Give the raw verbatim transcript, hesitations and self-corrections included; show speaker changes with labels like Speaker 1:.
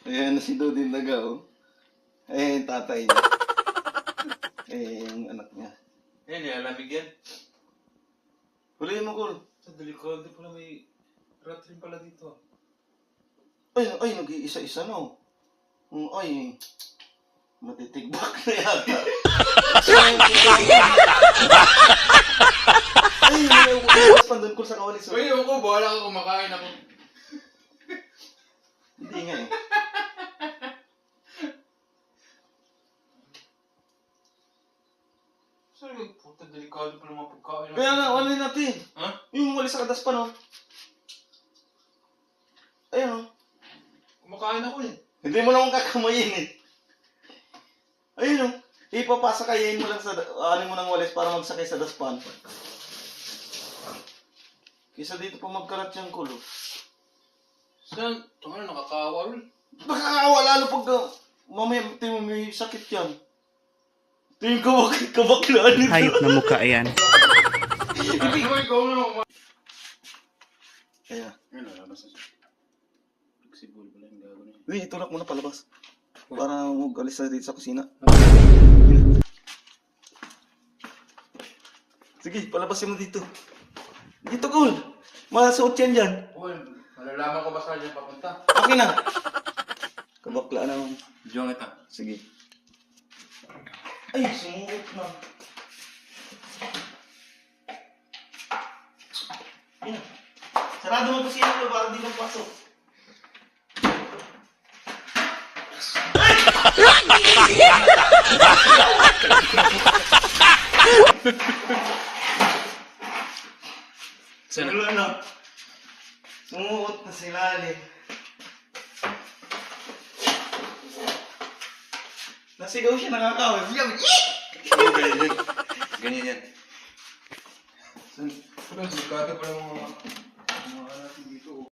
Speaker 1: Ayan na si Dudin Daga, oh. Ayan yung tatay niya. Ayan yung anak niya.
Speaker 2: Ayan, nilalamig yan.
Speaker 1: Huliin mo, Kul.
Speaker 2: Sa delikado pala may rat rin pala dito.
Speaker 1: Ay, ay, nag-iisa-isa, no? Mm, Ay, matitigbak na yata. Ay, may uwas pa doon, Kul, sa kawalis. oh.
Speaker 2: Uy, ako, bahala ka kumakain ako.
Speaker 1: Hindi nga eh.
Speaker 2: Sorry, puta, delikado pala mga pagkain.
Speaker 1: Kaya nga, ano natin?
Speaker 2: Ha?
Speaker 1: Yung walis sa kadas pa, no? Ayun, oh.
Speaker 2: Kumakain ako eh.
Speaker 1: Hindi mo naman kakamayin eh. Ayun, oh. Ipapasa kayain mo lang sa, ano mo ng walis para magsakay sa daspan. Kisa dito pa magkarat yung kulo.
Speaker 2: Saan? Ito nga, nakakawa rin.
Speaker 1: Nakakawa lalo pag uh, mamaya tingin mo may sakit yan. Tingin ko bakit kabaklaan nito.
Speaker 3: Hayop na mukha yan.
Speaker 2: Hindi ko ikaw na ako.
Speaker 1: Kaya,
Speaker 2: Ayun, lalabas na siya. Flexible pala yung gagawin niya.
Speaker 1: uy, itulak mo na palabas. Para mag-alis na dito sa kusina. Sige, palabasin mo dito. Dito, Kul. Masuot yan dyan.
Speaker 2: Uy, malalaman ko ba saan dyan papunta?
Speaker 1: Okay na. Kabaklaan naman.
Speaker 2: Diyan kita.
Speaker 1: Sige. Ay, sumukot na. Yan. Sarado mo kusina ko para di kang pasok.
Speaker 2: Saan?
Speaker 1: Wala na. Sumukot na si Lali. Nasigaw siya, nakakawin. Yan!
Speaker 2: Ganyan yan. Ganyan yan. Saan? Delikado pala mga... mga natin dito.